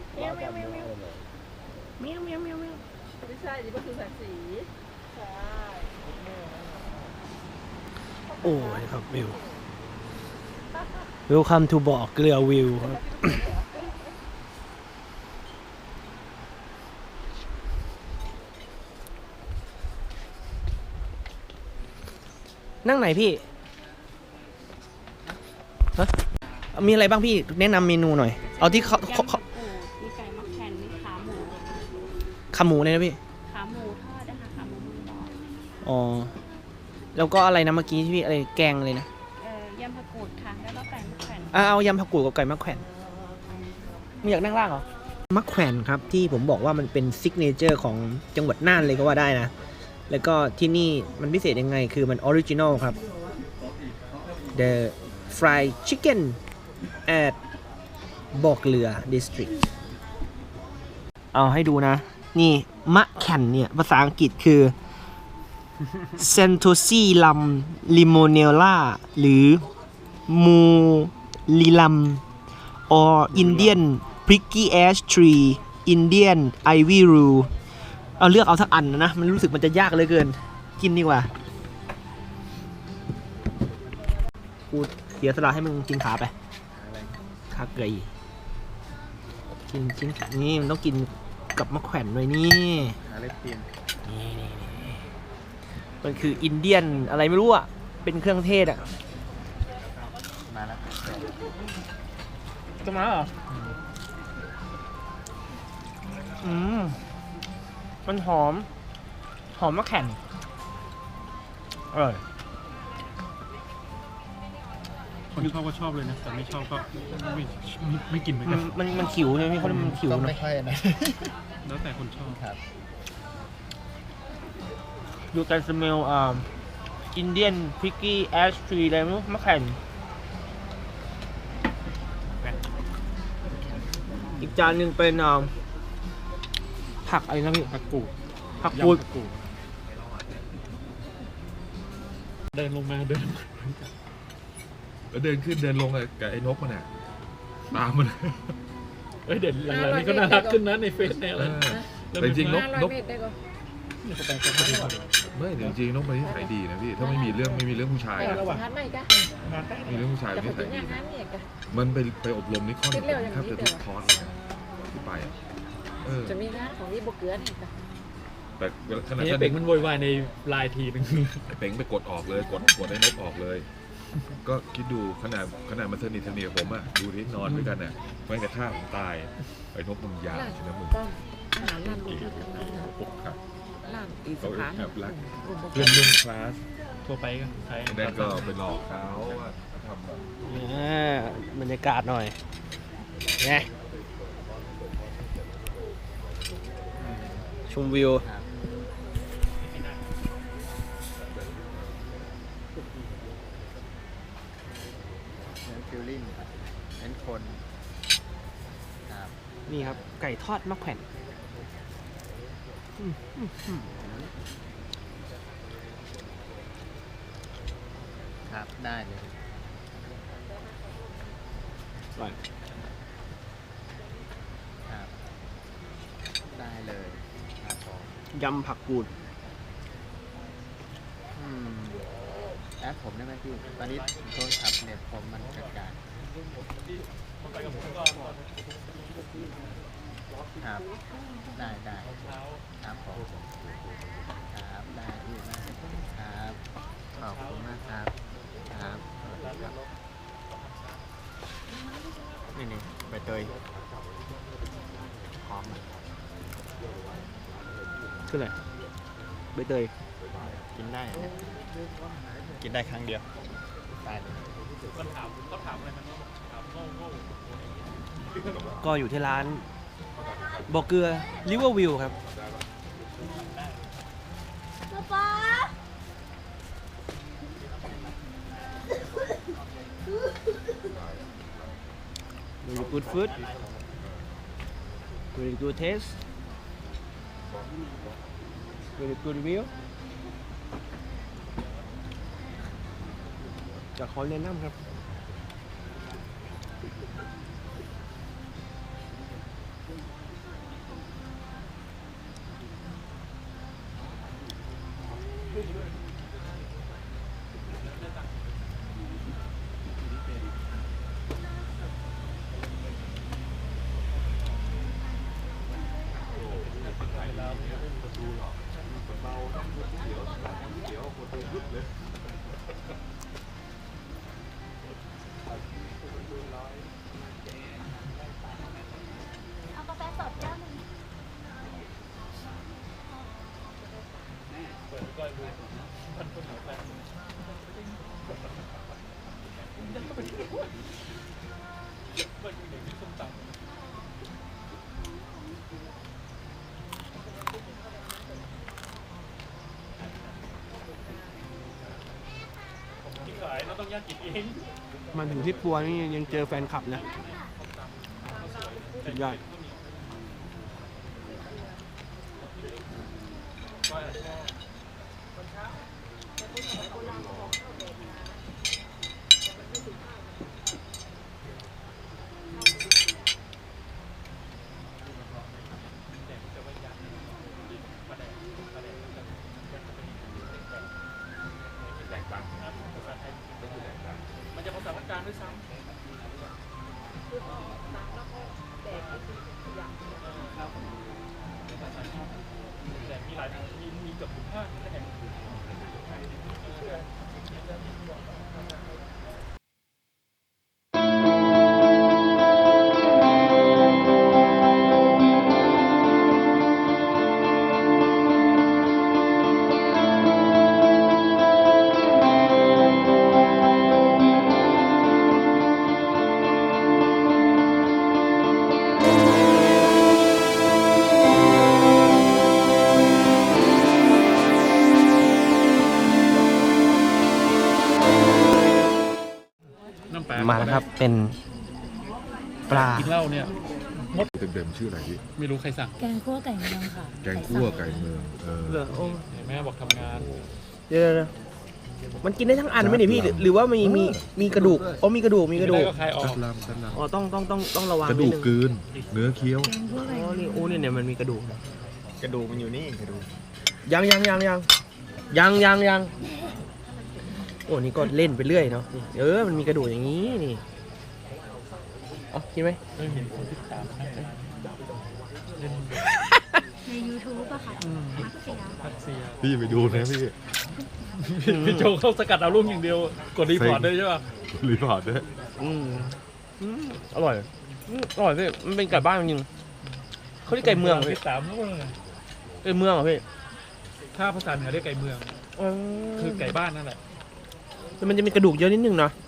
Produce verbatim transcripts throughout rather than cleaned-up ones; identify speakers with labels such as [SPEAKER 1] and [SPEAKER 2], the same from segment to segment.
[SPEAKER 1] เมียวเมียวเมียวเมียวเมียวเมียวเมียวเมียว
[SPEAKER 2] ไม่ใช่นี่ก็คือสังสีใช่
[SPEAKER 3] โอ้ยครับวิว Welcome to บ่อเกลือวิวครับ นั่งไหนพี่ฮะมีอะไรบ้างพี่แนะนำเมนูหน่อย เอาที่เขาเขาเขา
[SPEAKER 1] มีไก่มะแขวนมีขาหมู
[SPEAKER 3] ขาหมูเลยนะพี่
[SPEAKER 1] ขาหมูทอดนะคะขาหมูมือดอก
[SPEAKER 3] อ๋อ แล้วก็อะไรนะเมื่อกี้ที่พี่อะไรแกงเลยนะ
[SPEAKER 1] เอ่อยำผักกูดค่ะแล้วก็ไก่มะแขวน
[SPEAKER 3] อ่ะเอายำผักกูดกับไก่มะแขวนมึงอยากนั่งล่างเหรอ มะแขวนครับที่ผมบอกว่ามันเป็นซิกเนเจอร์ของจังหวัดน่านเลยก็ว่าได้นะ แล้วก็ที่นี่มันพิเศษยังไงคือมันออริจินอลครับ The fried chicken at บ่อเกลือ district เอาให้ดูนะ นี่มะแขวนเนี่ย ภาษาอังกฤษคือ Centosilum limonella หรือ Mulilam or Indian prickly ash tree Indian ivy rue เอาเลือกเอาสักอันนะ มันรู้สึกมันจะยากเหลยเกิน กินดีกว่า กูเสียสละให้มึงกินขาไป ขาเกยกินชิ้นนี่มันต้องกินกับมะแขวนด้วยนี่
[SPEAKER 4] หาเล็บเตียน
[SPEAKER 3] นี่นี่นี่มันคืออินเดียนอะไรไม่รู้อ่ะ เป็นเครื่องเทศอ่ะ
[SPEAKER 4] มาแล้ว
[SPEAKER 3] จะมาเหรอ อืม มันหอม หอมมะแขวนอร่อย
[SPEAKER 4] คนชอบก็ชอบเลยนะแต่ไม่ชอบก็ไม่ไม่ไม่กินเหมือน
[SPEAKER 3] มั
[SPEAKER 4] กัน น
[SPEAKER 3] มันมันขิวใช่ไหมเขาเรียกมันขิว
[SPEAKER 5] ต้อง
[SPEAKER 3] นะ
[SPEAKER 5] ไม่ค่อยนะ
[SPEAKER 4] แล้วแต่คนชอบ
[SPEAKER 5] ครับ
[SPEAKER 3] อยู่กันสเมลอ่าอินเดียนพิกกี้แอชทรีอะไรไม่รู้มะแขวนอีกจานหนึ่งเป็นอ่าผักอะไรนะพี่
[SPEAKER 4] ผักกูด
[SPEAKER 3] ผักกูด
[SPEAKER 4] ยำผักกูดเดินลงมาเดินลงมา
[SPEAKER 6] แล้วเดินขึ้นเดินลงกับไอ้นกมันอ่ะตามมัน
[SPEAKER 4] เอ้ยเด่นหลังๆนี่ก็น่ารักขึ้นนะในเฟซในอะไร
[SPEAKER 6] เออแต่จริงๆนกนก
[SPEAKER 4] นี่เขาแปลงตัวเขาดีกว่า
[SPEAKER 6] ไม่แต่จริงๆนกมันนิสัยดีนะพี่ถ้าไม่มีเรื่องไม่มีเรื่องผู้ชายนะ
[SPEAKER 2] ทันไหมจ๊ะ
[SPEAKER 6] มีเรื่องผู้ชาย
[SPEAKER 2] แต่
[SPEAKER 6] นิ
[SPEAKER 2] ผม
[SPEAKER 6] สั
[SPEAKER 2] เป็
[SPEAKER 6] ย
[SPEAKER 2] นอ
[SPEAKER 6] ดี
[SPEAKER 2] ย่างนั้นเนี่ยจ้ะ
[SPEAKER 6] มันไปไปอบรมนิคอนแทบจะทุกคอร์สเลยนะที่ไปอะเออ
[SPEAKER 2] จะมีงานของนี่บกเกลือนี่จ้ะ
[SPEAKER 6] แต่ขนาด
[SPEAKER 4] นี่
[SPEAKER 6] นั้น
[SPEAKER 4] เด็กมันโวยวายในไลน์ทีนึง
[SPEAKER 6] ไอ้เป๋งไปกดออกเลยกดกดไอ้นกออกเลย ก็คิดดูขนาดขนาดมันสนิทสนิทกับผมอะดูที่นอนด้วยกันอะไม่กระท่าผมตายไอ้นกมึงยาวใช่ไหมมึง
[SPEAKER 2] ต้องอาหารร้านลูกที่ทำงานนะ
[SPEAKER 6] อกหัก
[SPEAKER 2] ร้านอีส
[SPEAKER 6] เขา
[SPEAKER 2] าน
[SPEAKER 6] แอบรัก
[SPEAKER 2] กลุ่มบกเก
[SPEAKER 6] เพื่
[SPEAKER 2] ลื
[SPEAKER 6] อนร่วมคลาส
[SPEAKER 4] ทั่วไปก็ใช้
[SPEAKER 6] ไอ้นั่นก็ไปหลอกเขาว่าทำแบบ
[SPEAKER 3] อ่าบรรยากาศหน่อยไงชมวิว
[SPEAKER 5] เน้นฟิลลิ่งเน้นคนครับ
[SPEAKER 3] นี่ครับ ไก่ทอดมะแขวนอืมอืมอืม
[SPEAKER 5] ครับ ได้เลย
[SPEAKER 3] อร่อย
[SPEAKER 5] ครับ ได้เลยครับผม
[SPEAKER 3] ยำผักกูด
[SPEAKER 5] อืมแอปผมได้ไหมพี่ ตอนนี้โทรศัพท์เน็ตผมมันกระจายครับ ได้ได้ครับผมครับ ได้พี่มากครับ ขอบคุณมากครับ ครับครับนี่นี่ใบเตยหอมอ่ะ
[SPEAKER 3] คืออะไรใบเตย
[SPEAKER 5] จกินได้นะกินได้ครั้งเดียวตายเลย
[SPEAKER 4] มันถามเขาถามอะไรมันถามโง่โง่
[SPEAKER 3] ก็อยู่ที่ร้านบ่อเกลือริเวอร์วิวครับ
[SPEAKER 1] ป๊า
[SPEAKER 3] very good food very good taste very good view จะขอแนะนำครับ
[SPEAKER 1] เอากาแฟสดแก้วหนึ่ง
[SPEAKER 4] เปิดก้อยดูมันคนเหนียวแฟนเปิดเด็กที่ส้มตำที่ขายเราต้องย่างกินเอง
[SPEAKER 3] มันถึงที่ปัวนี่ยังเจอแฟนคลับนะสุดยอด
[SPEAKER 4] มันจะภาษาพักกลางด้วยซ้ำแต่มีหลายมีมีเกือบทุกภาคแห่ง
[SPEAKER 3] มาแล้วครับเป็นปลา
[SPEAKER 4] กินเหล้าเนี่ย
[SPEAKER 6] เต็มๆชื่ออะไรพี่
[SPEAKER 4] ไม่รู้ใครสั่ง
[SPEAKER 7] แกงคั่วไก่เมืองค่ะ
[SPEAKER 6] แกงคั่วไก่เมืองเออ
[SPEAKER 3] เหรอโอ้
[SPEAKER 4] แม่บอกทำงาน
[SPEAKER 3] เดี๋ยวๆมันกินได้ทั้งอันไหมเนี่ยพี่หรือหรือว่ามีมีมีกระดูกอ๋อมีกระดูกมีกระดู
[SPEAKER 4] ได้
[SPEAKER 3] ก
[SPEAKER 4] ก็คลายออ
[SPEAKER 6] ตั
[SPEAKER 4] ก
[SPEAKER 6] ดลำตัดล
[SPEAKER 3] อ๋อต้องต้องต้องต้องระวัง
[SPEAKER 6] ำกระ
[SPEAKER 3] นิ
[SPEAKER 6] ดู
[SPEAKER 3] ด
[SPEAKER 6] ก
[SPEAKER 3] นึง
[SPEAKER 6] กลืน เนื้อเคี้ยว
[SPEAKER 7] แกงคั่วไก่
[SPEAKER 3] อ๋อนี่โอ้เนี่ยเนี่ยมันมีกระดูก
[SPEAKER 5] กระดูกมันอยู่นี่กระดูก
[SPEAKER 3] ยังยังยังยังยังยังยังโอ้นี่ก็เล่นไปเรื่อยเนาะนี่เออมันมีกระดูกอย่างนี้นี่เอ๋อกินไหม
[SPEAKER 4] ไม่เห็นคนที่ตามนะเล่น
[SPEAKER 7] ใน ยูทูบ อะค่ะมักเสีย
[SPEAKER 4] พักเซีย
[SPEAKER 6] พี่ไปดูนะพี่
[SPEAKER 4] พี่โจเข้าสกัดเอาลูกอย่างเดียว กดรีพอร์ตได้ใช่ป่ะ
[SPEAKER 6] รีพอร์ตด้วย
[SPEAKER 3] อืมอืมอร่อยอืมอร่อยพี่มันเป็นไก่บ้านจริงๆเขาเรียกไก่เมืองพี่
[SPEAKER 4] ที่สามนู่นเลย
[SPEAKER 3] ไก่เมืองเหรอพี่
[SPEAKER 4] ถ้าภาษาเหนือเรียกไก่เมือง
[SPEAKER 3] อ๋อ
[SPEAKER 4] คือไก่บ้านนั่นแหละ
[SPEAKER 3] แต่มันจะมีกระดูกเยอะนิดนึงเนาะ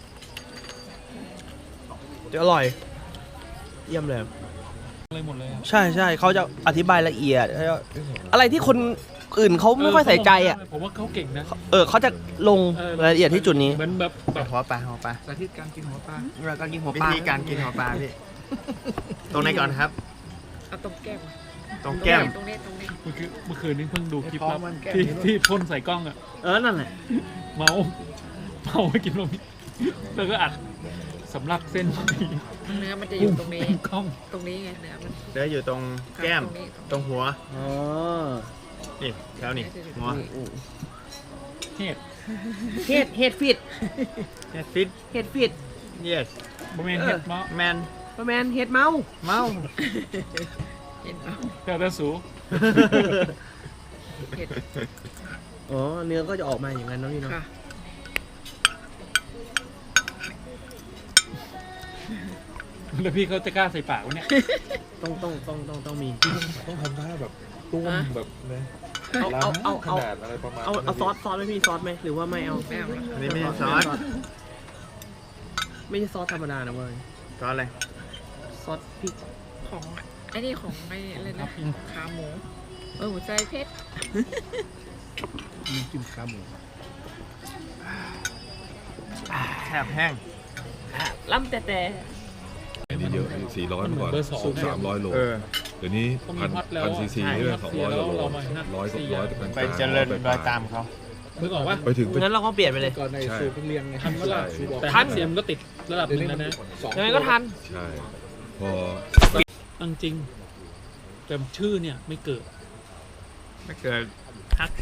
[SPEAKER 3] จะอร่อย เยี่ยมเลย
[SPEAKER 4] เลยหมดเลยอะ
[SPEAKER 3] ใช่ใช่เขาจะอธิบายละเอียดแล้วก็อะไรที่คนอื่นเขาไม่ค่อยใส่ใจอ่ะ
[SPEAKER 4] ผมว่าเขาเก่งนะ
[SPEAKER 3] เออเขาจะลง
[SPEAKER 4] เออ
[SPEAKER 3] รายละเอียดที่จุดนี้
[SPEAKER 4] เหมือนแบบแบบ
[SPEAKER 5] หัวปลาหัวปลา
[SPEAKER 4] สาธิตการกินหัวปลา
[SPEAKER 3] เราการกินหัว
[SPEAKER 5] วิ
[SPEAKER 3] ปลา
[SPEAKER 5] ธีการกินหัวปลาพี่ ตรงไหนก่อนครับ
[SPEAKER 2] เอาตรงแก้ม
[SPEAKER 5] ตรงแก้ม
[SPEAKER 2] ตรงนี้ตรงนี้
[SPEAKER 4] เมื่อคืนเมื่อคืนนี้เพิ่งดูคลิป
[SPEAKER 5] ท้อ
[SPEAKER 4] แล้
[SPEAKER 5] ง
[SPEAKER 4] ว
[SPEAKER 5] มันแก้ม
[SPEAKER 4] ที่
[SPEAKER 5] นี่
[SPEAKER 4] ที่พ่นใส่กล้องอ่ะ
[SPEAKER 3] เออนั่นแหละ
[SPEAKER 4] เมาเมาไปกินลมแล้วก็อัดสำลักเส้น
[SPEAKER 2] เนื้อมันจะอยู่ตรงนี้
[SPEAKER 4] เต็มกล้อง
[SPEAKER 2] ตรงนี้ไงเนื้อมัน
[SPEAKER 5] เดี๋ยวอยู่ตรงแก้ม
[SPEAKER 2] ตรงนี้
[SPEAKER 5] ตรงหัว
[SPEAKER 3] อ๋อ
[SPEAKER 5] นี่แถวนี่หัว
[SPEAKER 4] เฮ็ด
[SPEAKER 3] เฮ็ดเฮ็ดฟิต
[SPEAKER 5] เฮ็ดฟิต
[SPEAKER 3] เฮ็ดฟิต
[SPEAKER 5] yes
[SPEAKER 4] บะเมนเฮ็ดเมา
[SPEAKER 5] แมน
[SPEAKER 3] ประมาณเฮ็ดเมา
[SPEAKER 5] เมา
[SPEAKER 2] เห็นไหม
[SPEAKER 4] แต่แต่สู
[SPEAKER 2] เห็ด
[SPEAKER 3] อ๋อเนื้อก็จะออกมาอย่างนั้นเนาะพี่เนาะ
[SPEAKER 2] ค่ะ
[SPEAKER 4] แล้วพี่เขาจะกล้าใส่ปากวะเนี่ย
[SPEAKER 3] ต้องต้องต้องต้องต้องมี
[SPEAKER 6] ต้องทำท่าแบบตุ้มแบบนะ
[SPEAKER 3] เอาเอาเอา
[SPEAKER 6] ขนาดอะไรประมาณ
[SPEAKER 3] เอาเอาซอสซอสไหมพี่ซอสไหมหรือว่าไม่เอา
[SPEAKER 2] แม่เอาละ
[SPEAKER 5] อันนี้ไม่ใช่ซอส
[SPEAKER 3] ไม่ใช่ซอสธรรมดานะเว้ย
[SPEAKER 5] ซอสอะไร
[SPEAKER 3] ซอสพริก
[SPEAKER 2] ของไอ้นี่ของไอ้อะไรนะขาหมูเออหัวใจเพชร
[SPEAKER 5] มีจิ้มขาหมูแซ่บแห้ง
[SPEAKER 3] ล่ำแต่แต่
[SPEAKER 6] อันนี้เยอะสี่ร้อย
[SPEAKER 4] มันเหมื
[SPEAKER 6] ก่
[SPEAKER 4] อ
[SPEAKER 6] อน น
[SPEAKER 4] เบอร์สอง
[SPEAKER 6] สามร้อยโล
[SPEAKER 5] เออ
[SPEAKER 6] เดี๋ยวนี้
[SPEAKER 4] ต้องมี
[SPEAKER 6] พัน
[SPEAKER 4] ฮอตแล้ว
[SPEAKER 6] พันซีซี
[SPEAKER 4] ใช่
[SPEAKER 6] เนี่ยสองร้อยโล
[SPEAKER 4] เรามาฮอต
[SPEAKER 6] ร้อย
[SPEAKER 4] สี่
[SPEAKER 6] ร้อย
[SPEAKER 4] อย่าง
[SPEAKER 6] เป็น
[SPEAKER 5] ไปเจริญรอยตามเขา
[SPEAKER 4] นึกออกปะ
[SPEAKER 6] ไปถึงไป
[SPEAKER 3] งั้นเราก็เปลี่ยนไปเลย
[SPEAKER 4] ก่อนใน
[SPEAKER 6] ใช่
[SPEAKER 4] สูตรเพิ่งเรียนไงทันเวลา
[SPEAKER 6] ใช่
[SPEAKER 4] แต่
[SPEAKER 3] ทัน
[SPEAKER 4] เสียมก็ติดระดับหนึงแล้วนะ
[SPEAKER 3] ยังไงก็ทัน
[SPEAKER 6] ใช่ พอ
[SPEAKER 4] เอาจริงแต่ชื่อเนี่ยไม่เกิด
[SPEAKER 5] ไม่เกิด